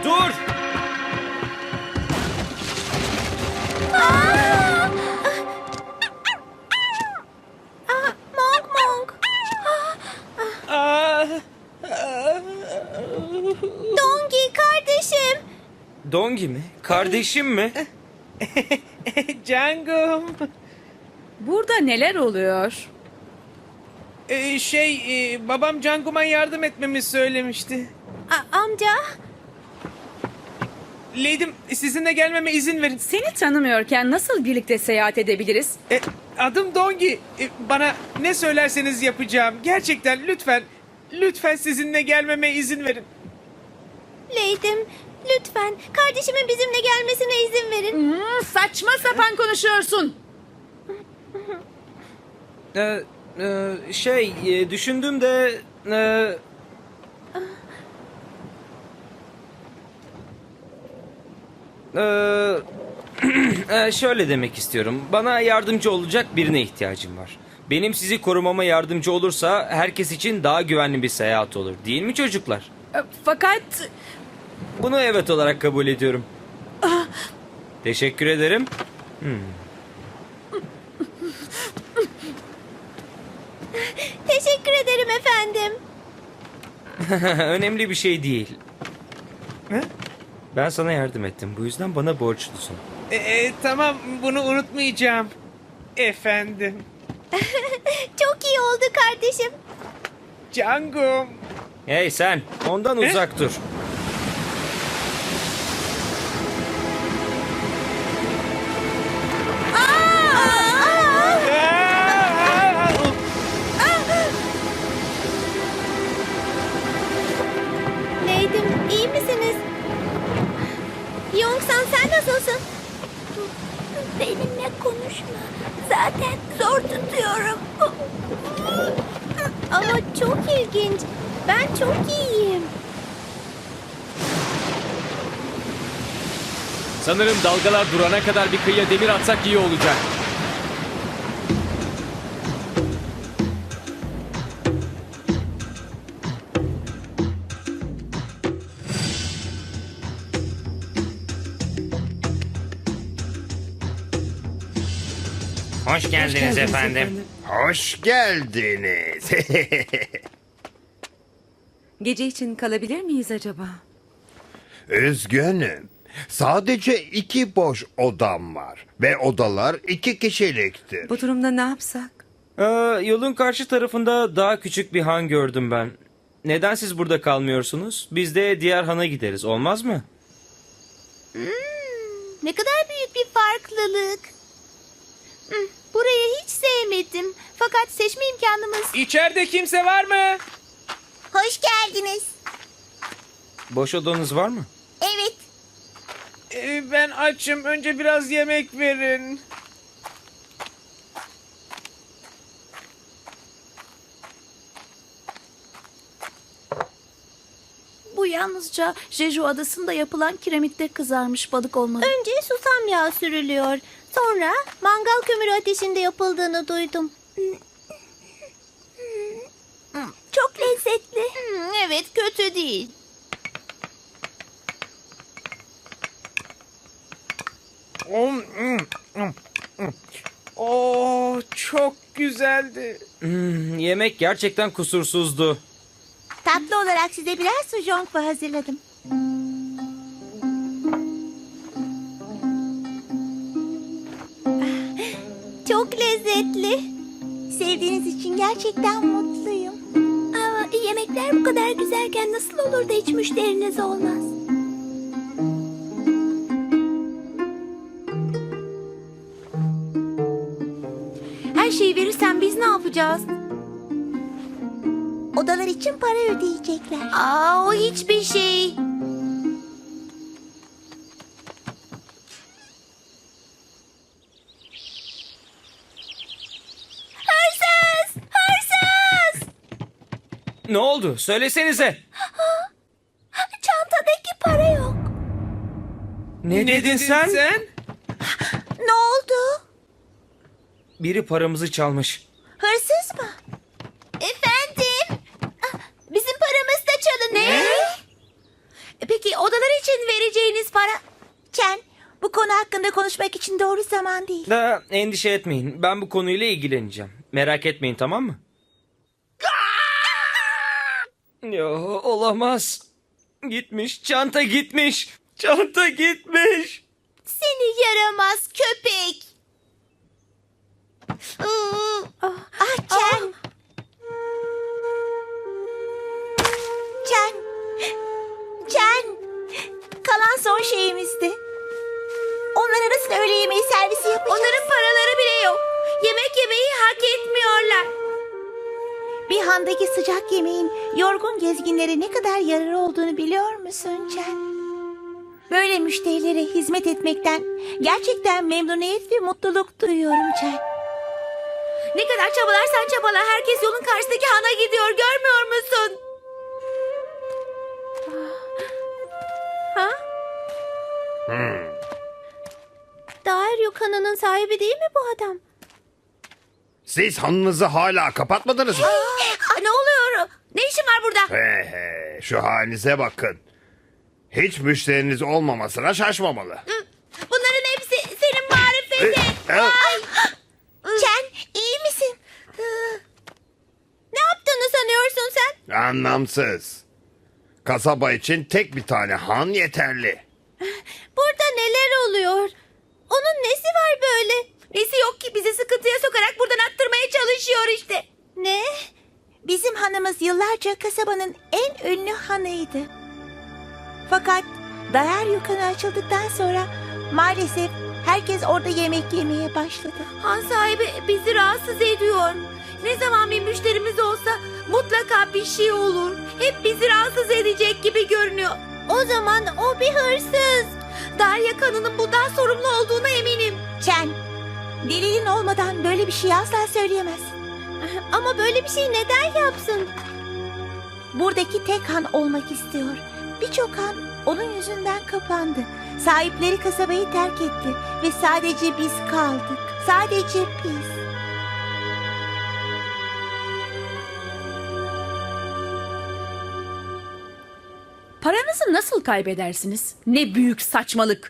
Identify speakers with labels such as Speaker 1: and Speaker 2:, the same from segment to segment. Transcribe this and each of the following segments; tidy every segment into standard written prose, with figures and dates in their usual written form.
Speaker 1: dur!
Speaker 2: Monk Monk. Dongi kardeşim.
Speaker 1: Dongi mi? Kardeşim mi?
Speaker 3: Cangum.
Speaker 4: Burada neler oluyor?
Speaker 3: Babam Cangum'a yardım etmemi söylemişti.
Speaker 2: Amca.
Speaker 3: Lady'm, sizinle gelmeme izin verin.
Speaker 4: Seni tanımıyorken nasıl birlikte seyahat edebiliriz?
Speaker 3: Adım Dongi. Bana ne söylerseniz yapacağım. Gerçekten lütfen, lütfen sizinle gelmeme izin verin.
Speaker 2: Lady'm lütfen kardeşimin bizimle gelmesine izin verin.
Speaker 4: Saçma sapan konuşuyorsun.
Speaker 1: Düşündüm de... şöyle demek istiyorum. Bana yardımcı olacak birine ihtiyacım var. Benim sizi korumama yardımcı olursa herkes için daha güvenli bir seyahat olur. Değil mi çocuklar?
Speaker 4: Fakat
Speaker 1: Bunu evet olarak kabul ediyorum. Teşekkür ederim.
Speaker 2: Teşekkür ederim efendim.
Speaker 1: Önemli bir şey değil.
Speaker 3: He?
Speaker 1: Ben sana yardım ettim. Bu yüzden bana borçlusun.
Speaker 3: Tamam, bunu unutmayacağım. Efendim.
Speaker 2: Çok iyi oldu kardeşim.
Speaker 3: Cangum.
Speaker 1: Hey sen, ondan uzak dur.
Speaker 2: Lady'm iyi misiniz? Yongsan sen nasılsın? Benimle konuşma. Zaten zor tutuyorum. Ama çok ilginç. Ben çok iyiyim.
Speaker 5: Sanırım dalgalar durana kadar bir kıyıya demir atsak iyi olacak.
Speaker 1: Hoş geldiniz efendim.
Speaker 6: Hoş geldiniz.
Speaker 7: Gece için kalabilir miyiz acaba?
Speaker 6: Üzgünüm. Sadece 2 boş odam var. Ve odalar 2 kişiliktir.
Speaker 7: Bu durumda ne yapsak?
Speaker 1: Yolun karşı tarafında daha küçük bir han gördüm ben. Neden siz burada kalmıyorsunuz? Biz de diğer hana gideriz, olmaz mı?
Speaker 2: Ne kadar büyük bir farklılık. Burayı hiç sevmedim. Fakat seçme imkanımız...
Speaker 3: İçeride kimse var mı?
Speaker 2: Hoş geldiniz.
Speaker 1: Boş odanız var mı?
Speaker 2: Evet.
Speaker 3: Ben açım. Önce biraz yemek verin.
Speaker 8: Bu yalnızca Jeju Adası'nda yapılan kiremitte kızarmış balık olmalı.
Speaker 2: Önce susam yağı sürülüyor. Sonra mangal kömürü ateşinde yapıldığını duydum. Çok lezzetli. Evet, kötü değil.
Speaker 3: Çok güzeldi.
Speaker 1: Yemek gerçekten kusursuzdu.
Speaker 2: Tatlı olarak size biraz sujongfa hazırladım. Çok lezzetli. Sevdiğiniz için gerçekten mutluyum. Ama yemekler bu kadar güzelken nasıl olur da hiç müşteriniz olmaz?
Speaker 8: Her şeyi verirsen biz ne yapacağız?
Speaker 2: Odalar için para ödeyecekler.
Speaker 8: O hiçbir şey.
Speaker 2: Hırsız! Hırsız!
Speaker 1: Ne oldu? Söylesenize.
Speaker 2: Çantadaki para yok.
Speaker 1: Ne dedin sen?
Speaker 2: Ne oldu?
Speaker 1: Biri paramızı çalmış.
Speaker 2: Hırsız mı? Efendim? Bizim paramız da çalındı.
Speaker 8: Ne? Peki odalar için
Speaker 2: Bana... Chen, bu konu hakkında konuşmak için doğru zaman değil.
Speaker 1: Endişe etmeyin. Ben bu konuyla ilgileneceğim. Merak etmeyin, tamam mı? Yo, olamaz. Gitmiş. Çanta gitmiş. Çanta gitmiş.
Speaker 2: Seni yaramaz köpek. Chen. Chen. Chen. Kalan son şeyimizdi. Onlara nasıl öğle yemeği servisi yapacağız? Onların paraları bile yok. Yemek yemeyi hak etmiyorlar. Bir handaki sıcak yemeğin yorgun gezginlere ne kadar yararı olduğunu biliyor musun Chen? Böyle müşterilere hizmet etmekten gerçekten memnuniyet ve mutluluk duyuyorum Chen. Ne kadar çabalarsan çabala herkes yolun karşısındaki hana gidiyor, görmüyor musun? Ha? Dairyo kanının sahibi değil mi bu adam?
Speaker 6: Siz hanınızı hala kapatmadınız mı?
Speaker 2: Ne oluyor? Ne işin var burada?
Speaker 6: He he, şu halinize bakın. Hiç müşteriniz olmamasına şaşmamalı.
Speaker 2: Bunların hepsi senin marifetin. Chen, iyi misin? Ne yaptığını sanıyorsun sen?
Speaker 6: Anlamsız. Kasaba için tek bir tane han yeterli.
Speaker 2: Burada neler oluyor? Onun nesi var böyle? Nesi yok ki bizi sıkıntıya sokarak buradan attırmaya çalışıyor işte. Ne? Bizim hanımız yıllarca kasabanın en ünlü hanıydı. Fakat Dairyo kanı açıldıktan sonra maalesef herkes orada yemek yemeye başladı. Han sahibi bizi rahatsız ediyor. Ne zaman bir müşterimiz olsa mutlaka bir şey olur. Hep bizi rahatsız edecek gibi görünüyor. O zaman o bir hırsız. Darya kanının bundan sorumlu olduğuna eminim. Chen, delilin olmadan böyle bir şey asla söyleyemezsin. Ama böyle bir şey neden yapsın? Buradaki tek han olmak istiyor. Birçok han onun yüzünden kapandı. Sahipleri kasabayı terk etti ve sadece biz kaldık. Sadece biz.
Speaker 4: Paranızı nasıl kaybedersiniz? Ne büyük saçmalık.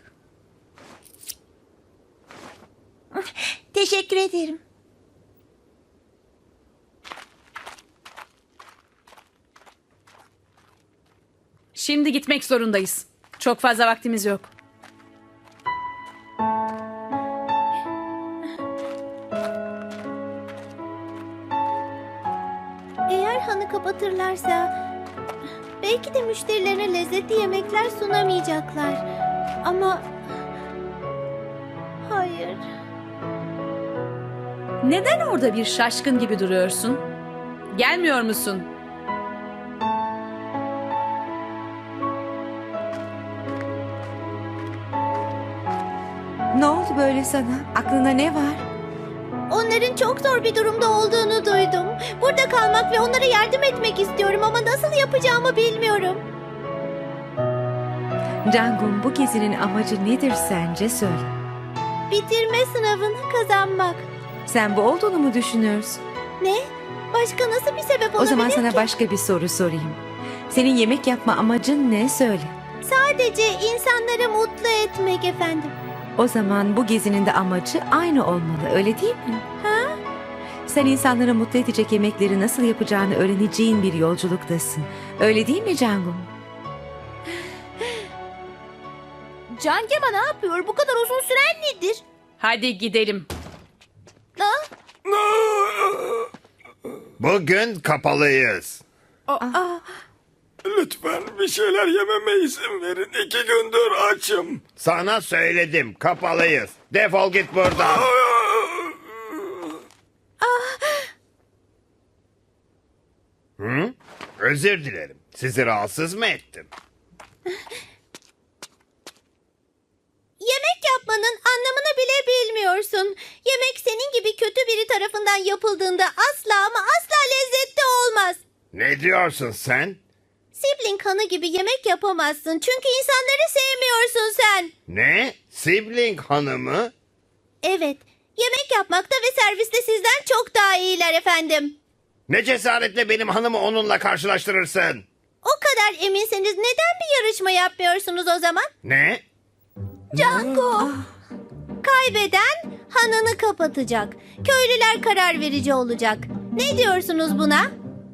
Speaker 2: Teşekkür ederim.
Speaker 4: Şimdi gitmek zorundayız. Çok fazla vaktimiz yok.
Speaker 2: Eğer hanı kapatırlarsa belki de müşterilerine lezzetli yemekler sunamayacaklar. Ama hayır.
Speaker 4: Neden orada bir şaşkın gibi duruyorsun? Gelmiyor musun?
Speaker 7: Ne oldu böyle sana? Aklına ne var?
Speaker 2: Onların çok zor bir durumda olduğunu duydum. Burada kalmak ve onlara yardım etmek istiyorum ama nasıl yapacağımı bilmiyorum.
Speaker 7: Cangum, bu gezinin amacı nedir sence, söyle.
Speaker 2: Bitirme sınavını kazanmak.
Speaker 7: Sen bu olduğunu mu düşünüyorsun?
Speaker 2: Ne? Başka nasıl bir sebep olabilir
Speaker 7: O zaman sana
Speaker 2: ki?
Speaker 7: başka bir soru sorayım. Senin yemek yapma amacın ne, söyle.
Speaker 2: Sadece insanları mutlu etmek efendim.
Speaker 7: O zaman bu gezinin de amacı aynı olmalı, öyle değil mi?
Speaker 2: Ha?
Speaker 7: Sen insanları mutlu edecek yemekleri nasıl yapacağını öğreneceğin bir yolculuktasın. Öyle değil mi Cangum?
Speaker 2: Cangema ne yapıyor? Bu kadar uzun süren nedir?
Speaker 4: Hadi gidelim.
Speaker 2: Ha?
Speaker 6: Bugün kapalıyız.
Speaker 9: Lütfen bir şeyler yememe izin verin. 2 gündür açım.
Speaker 6: Sana söyledim, kapalıyız. Defol git buradan. Hı? Özür dilerim. Sizi rahatsız mı ettim?
Speaker 2: Yemek yapmanın anlamını bile bilmiyorsun. Yemek senin gibi kötü biri tarafından yapıldığında asla ama asla lezzetli olmaz.
Speaker 6: Ne diyorsun sen?
Speaker 2: Sibling kanı gibi yemek yapamazsın. Çünkü insanları sevmiyorsun sen.
Speaker 6: Ne? Sibling hanımı?
Speaker 2: Evet. Yemek yapmakta ve serviste sizden çok daha iyiler efendim.
Speaker 6: Ne cesaretle benim hanımı onunla karşılaştırırsın?
Speaker 2: O kadar eminseniz neden bir yarışma yapmıyorsunuz o zaman?
Speaker 6: Ne?
Speaker 2: Django. Kaybeden hanını kapatacak. Köylüler karar verici olacak. Ne diyorsunuz buna?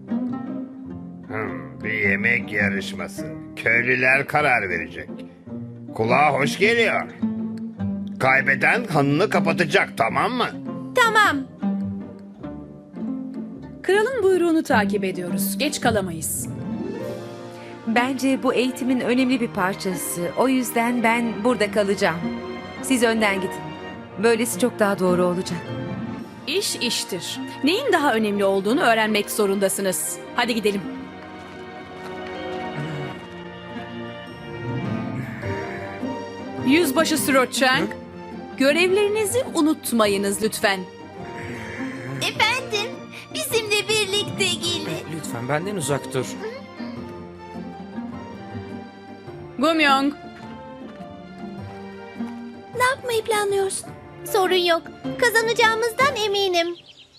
Speaker 6: Bir yemek yarışması. Köylüler karar verecek. Kulağa hoş geliyor. Kaybeden hanını kapatacak, tamam mı?
Speaker 2: Tamam.
Speaker 4: Kralın buyruğunu takip ediyoruz. Geç kalamayız.
Speaker 7: Bence bu eğitimin önemli bir parçası. O yüzden ben burada kalacağım. Siz önden gidin. Böylesi çok daha doğru olacak.
Speaker 4: İş iştir. Neyin daha önemli olduğunu öğrenmek zorundasınız. Hadi gidelim. Yüzbaşı Sroçeng, görevlerinizi unutmayınız lütfen.
Speaker 2: Efendim, bizimle birlikte gelin.
Speaker 1: Lütfen benden uzak dur.
Speaker 4: Gumyong,
Speaker 2: Ne yapmayı planlıyorsun? Sorun yok. Kazanacağımızdan eminim.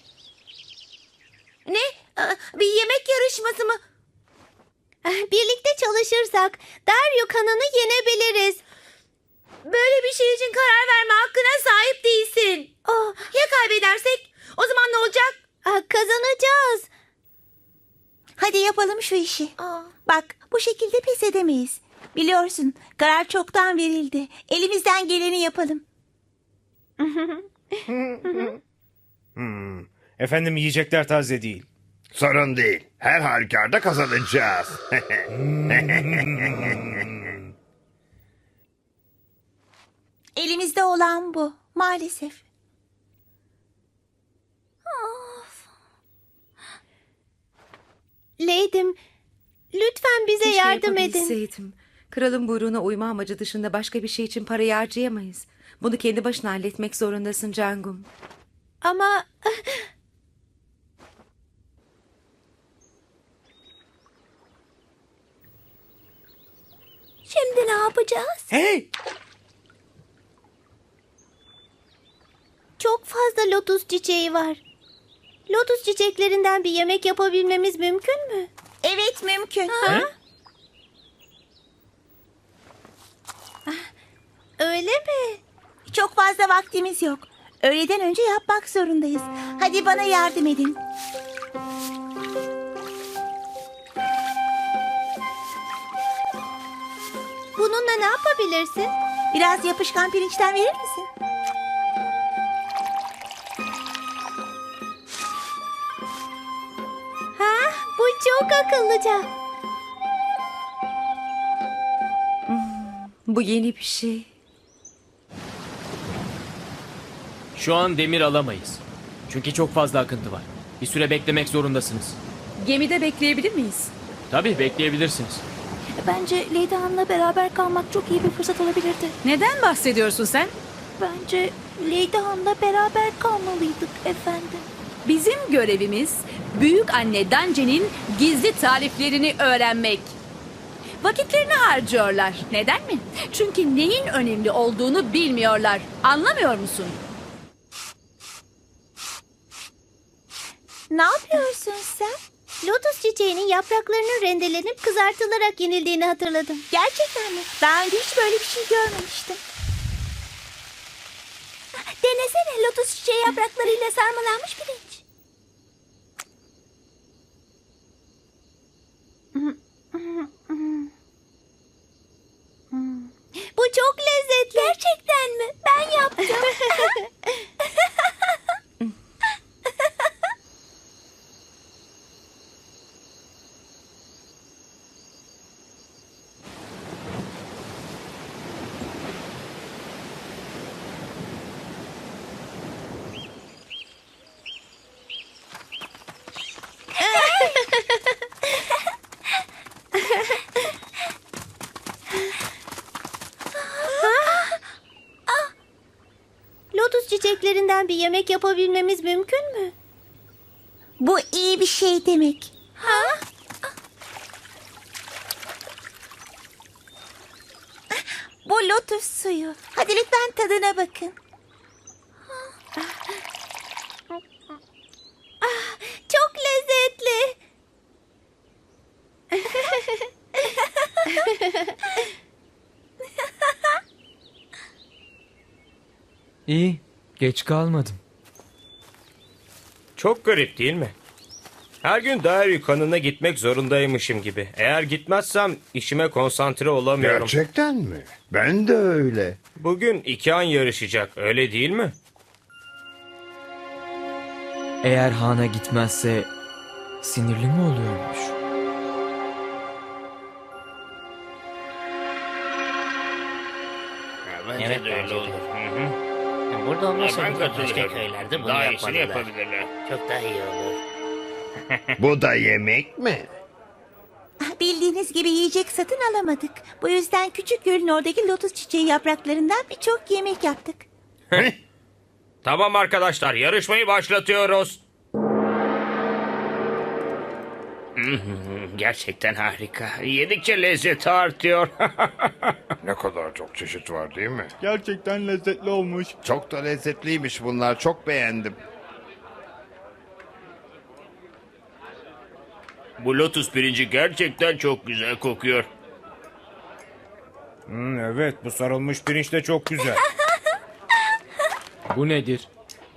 Speaker 2: Ne? Bir yemek yarışması mı? Birlikte çalışırsak Daryok hanını yenebiliriz. Böyle bir şey için karar verme hakkına sahip değilsin. Ya kaybedersek? O zaman ne olacak? Kazanacağız.
Speaker 10: Hadi yapalım şu işi. Bak, bu şekilde pes edemeyiz. Biliyorsun, karar çoktan verildi. Elimizden geleni yapalım.
Speaker 3: Efendim, yiyecekler taze değil.
Speaker 6: Sorun değil. Her halükarda kazanacağız.
Speaker 10: Elimizde olan bu, maalesef.
Speaker 2: Lady'm, lütfen bize
Speaker 7: Keşke
Speaker 2: yardım edin.
Speaker 7: yapabilseydim. Kralın buyruğuna uyma amacı dışında başka bir şey için parayı harcayamayız. Bunu kendi başına halletmek zorundasın Cangum.
Speaker 2: Ama şimdi ne yapacağız?
Speaker 3: Hey!
Speaker 2: Çok fazla lotus çiçeği var. Lotus çiçeklerinden bir yemek yapabilmemiz mümkün mü?
Speaker 10: Evet, mümkün.
Speaker 2: Öyle mi?
Speaker 10: Çok fazla vaktimiz yok. Öğleden önce yapmak zorundayız. Hadi bana yardım edin.
Speaker 2: Bununla ne yapabilirsin?
Speaker 10: Biraz yapışkan pirinçten verir misin?
Speaker 2: Bu çok akıllıca.
Speaker 7: Bu yeni bir şey.
Speaker 5: Şu an demir alamayız. Çünkü çok fazla akıntı var. Bir süre beklemek zorundasınız.
Speaker 4: Gemide bekleyebilir miyiz?
Speaker 5: Tabii bekleyebilirsiniz.
Speaker 8: Bence Lady Han'la beraber kalmak çok iyi bir fırsat olabilirdi.
Speaker 4: Neden bahsediyorsun sen?
Speaker 8: Bence Lady Han'la beraber kalmalıydık efendim.
Speaker 4: Bizim görevimiz büyük anne Dance'nin gizli tariflerini öğrenmek. Vakitlerini harcıyorlar. Neden mi? Çünkü neyin önemli olduğunu bilmiyorlar. Anlamıyor musun?
Speaker 2: Ne yapıyorsun sen? Lotus çiçeğinin yapraklarının rendelenip kızartılarak yenildiğini hatırladım.
Speaker 10: Gerçekten mi? Daha önce hiç böyle bir şey görmemiştim. Denesene, lotus çiçeği yapraklarıyla sarmalanmış pirinç.
Speaker 2: Bu çok lezzetli.
Speaker 10: Gerçekten mi? Ben yaptım.
Speaker 2: Lotus çiçeklerinden bir yemek yapabilmemiz mümkün mü?
Speaker 10: Bu iyi bir şey demek. Bu lotus suyu. Hadi lütfen tadına bakın.
Speaker 2: Çok lezzetli.
Speaker 11: İyi, geç kalmadım.
Speaker 1: Çok garip değil mi? Her gün Dairyu kanına gitmek zorundaymışım gibi. Eğer gitmezsem işime konsantre olamıyorum.
Speaker 6: Gerçekten mi? Ben de öyle.
Speaker 1: Bugün 2 an yarışacak, öyle değil mi?
Speaker 11: Eğer Han'a gitmezse sinirli mi oluyormuş?
Speaker 12: Evet öyle olur. Burada olmasa bile başka köylerde bunu yapmalılar. Çok daha iyi olur.
Speaker 6: Bu da yemek mi?
Speaker 10: Bildiğiniz gibi yiyecek satın alamadık. Bu yüzden küçük gölün oradaki lotus çiçeği yapraklarından birçok yemek yaptık.
Speaker 1: Tamam arkadaşlar, yarışmayı başlatıyoruz.
Speaker 12: Gerçekten harika. Yedikçe lezzeti artıyor.
Speaker 6: Ne kadar çok çeşit var değil mi?
Speaker 9: Gerçekten lezzetli olmuş.
Speaker 6: Çok da lezzetliymiş bunlar. Çok beğendim.
Speaker 12: Bu lotus pirinci gerçekten çok güzel kokuyor.
Speaker 3: Evet, bu sarılmış pirinç de çok güzel.
Speaker 5: Bu nedir?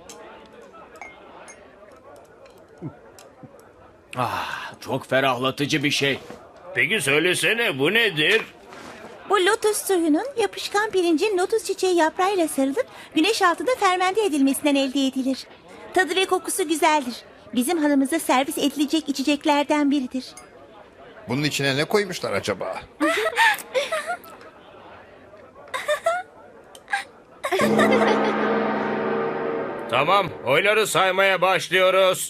Speaker 5: Çok ferahlatıcı bir şey.
Speaker 12: Peki söylesene bu nedir?
Speaker 10: Bu lotus suyunun yapışkan pirincin lotus çiçeği yaprağıyla sarılıp güneş altında fermente edilmesinden elde edilir. Tadı ve kokusu güzeldir. Bizim hanımıza servis edilecek içeceklerden biridir.
Speaker 6: Bunun içine ne koymuşlar acaba?
Speaker 1: Tamam, oyları saymaya başlıyoruz.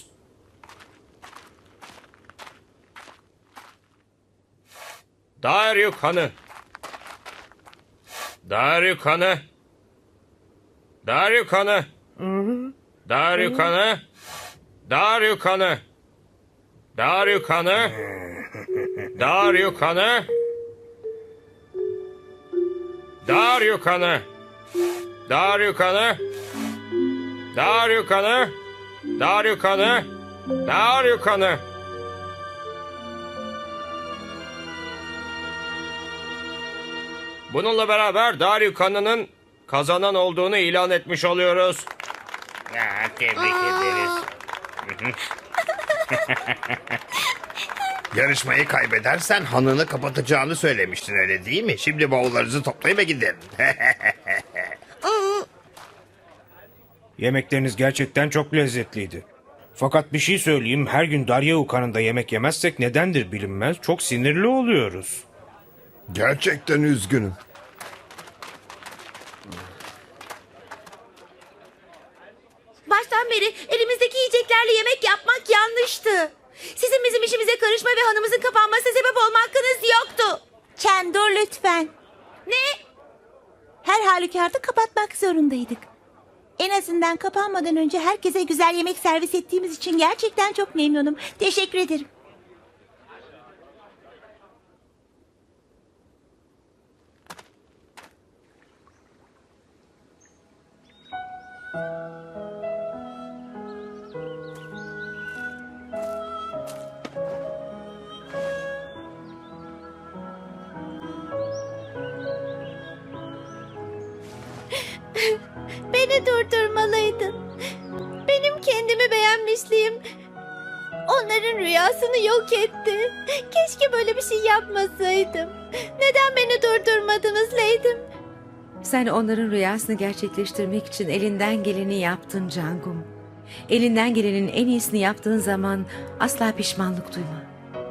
Speaker 1: Dairyu kanı. Dairyu kanı. Dairyu kanı. Dairyu kanı. Dairyu kanı. Dairyu kanı. Dairyu kanı. Dairyu kanı. Dairyu kanı. Dairyu kanı. Dairyu kanı. Dairyu kanı. Bununla beraber Dairyu kanının kazanan olduğunu ilan etmiş oluyoruz.
Speaker 12: Tebrik ederiz.
Speaker 6: Yarışmayı kaybedersen hanını kapatacağını söylemiştin öyle değil mi? Şimdi bavullarınızı toplayıp gidin.
Speaker 3: Yemekleriniz gerçekten çok lezzetliydi. Fakat bir şey söyleyeyim, her gün Darya kanında yemek yemezsek nedendir bilinmez. Çok sinirli oluyoruz.
Speaker 6: Gerçekten üzgünüm.
Speaker 2: Baştan beri elimizdeki yiyeceklerle yemek yapmak yanlıştı. Sizin bizim işimize karışma ve hanımızın kapanmasına sebep olma hakkınız yoktu.
Speaker 10: Chen dur lütfen.
Speaker 2: Ne?
Speaker 10: Her halükarda kapatmak zorundaydık. En azından kapanmadan önce herkese güzel yemek servis ettiğimiz için gerçekten çok memnunum. Teşekkür ederim.
Speaker 2: Beni durdurmalıydın. Benim kendimi beğenmişliğim onların rüyasını yok etti. Keşke böyle bir şey yapmasaydım. Neden beni durdurmadınız Leydim?
Speaker 7: Sen onların rüyasını gerçekleştirmek için elinden geleni yaptın Cangum. Elinden gelenin en iyisini yaptığın zaman asla pişmanlık duyma.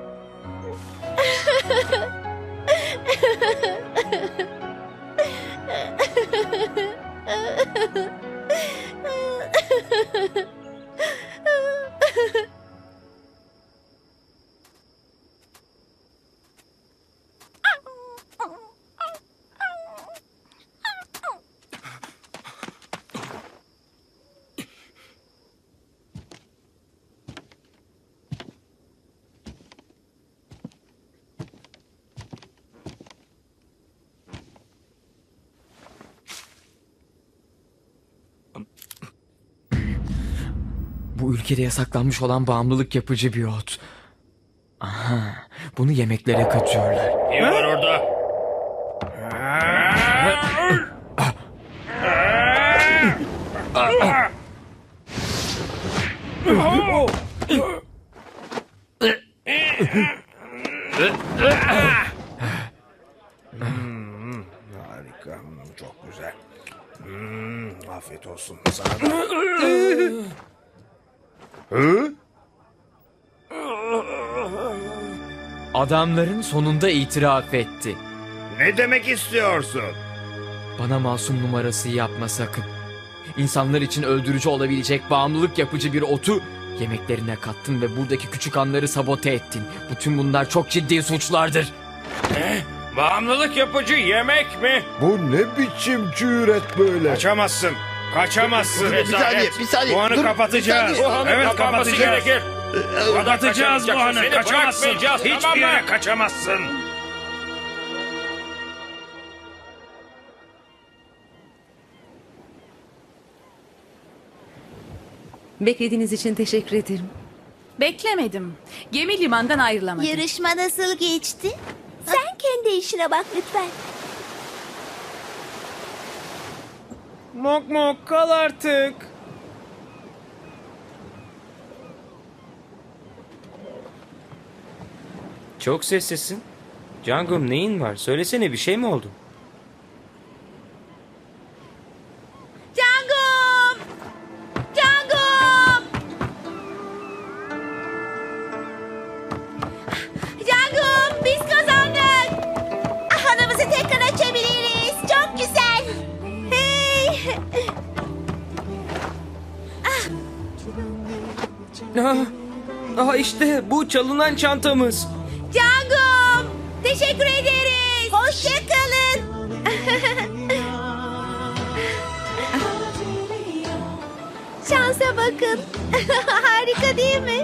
Speaker 11: Bu ülkede yasaklanmış olan bağımlılık yapıcı bir ot. Aha, bunu yemeklere katıyorlar.
Speaker 12: Kim var orada?
Speaker 3: Harika. Çok güzel. Afiyet olsun sana da.
Speaker 6: Hı?
Speaker 11: Adamların sonunda itiraf etti.
Speaker 6: Ne demek istiyorsun?
Speaker 11: Bana masum numarası yapma sakın. İnsanlar için öldürücü olabilecek bağımlılık yapıcı bir otu yemeklerine kattın ve buradaki küçük anları sabote ettin. Bütün bunlar çok ciddi suçlardır.
Speaker 1: Bağımlılık yapıcı yemek mi?
Speaker 6: Bu ne biçim cüret böyle?
Speaker 3: Kaçamazsın. Kaçamazsın.
Speaker 6: Bir saniye.
Speaker 3: Bu anı
Speaker 6: Dur,
Speaker 3: kapatacağız.
Speaker 6: bir saniye.
Speaker 3: Evet, kapatacağız. Kapatacağız bu anı.
Speaker 1: Seni
Speaker 3: Kaçamazsın.
Speaker 1: bırakmayacağız,
Speaker 3: Hiçbir
Speaker 1: tamam mı?
Speaker 3: yere kaçamazsın.
Speaker 7: Beklediğiniz için teşekkür ederim.
Speaker 4: Beklemedim. Gemi limandan ayrılamadı.
Speaker 2: Yarışma nasıl geçti? Sen kendi işine bak lütfen.
Speaker 3: Mok mok kal artık.
Speaker 1: Çok sessizsin. Cangum neyin var? Söylesene, bir şey mi oldu?
Speaker 2: Cangum! Cangum! Cangum, biz kazandık. Hanımızı tekrar açabiliriz. Çok güzel. Hey!
Speaker 1: İşte bu çalınan çantamız.
Speaker 2: Cangum! Teşekkür ederiz. Hoşçakalın. Şansa bakın. Harika değil mi?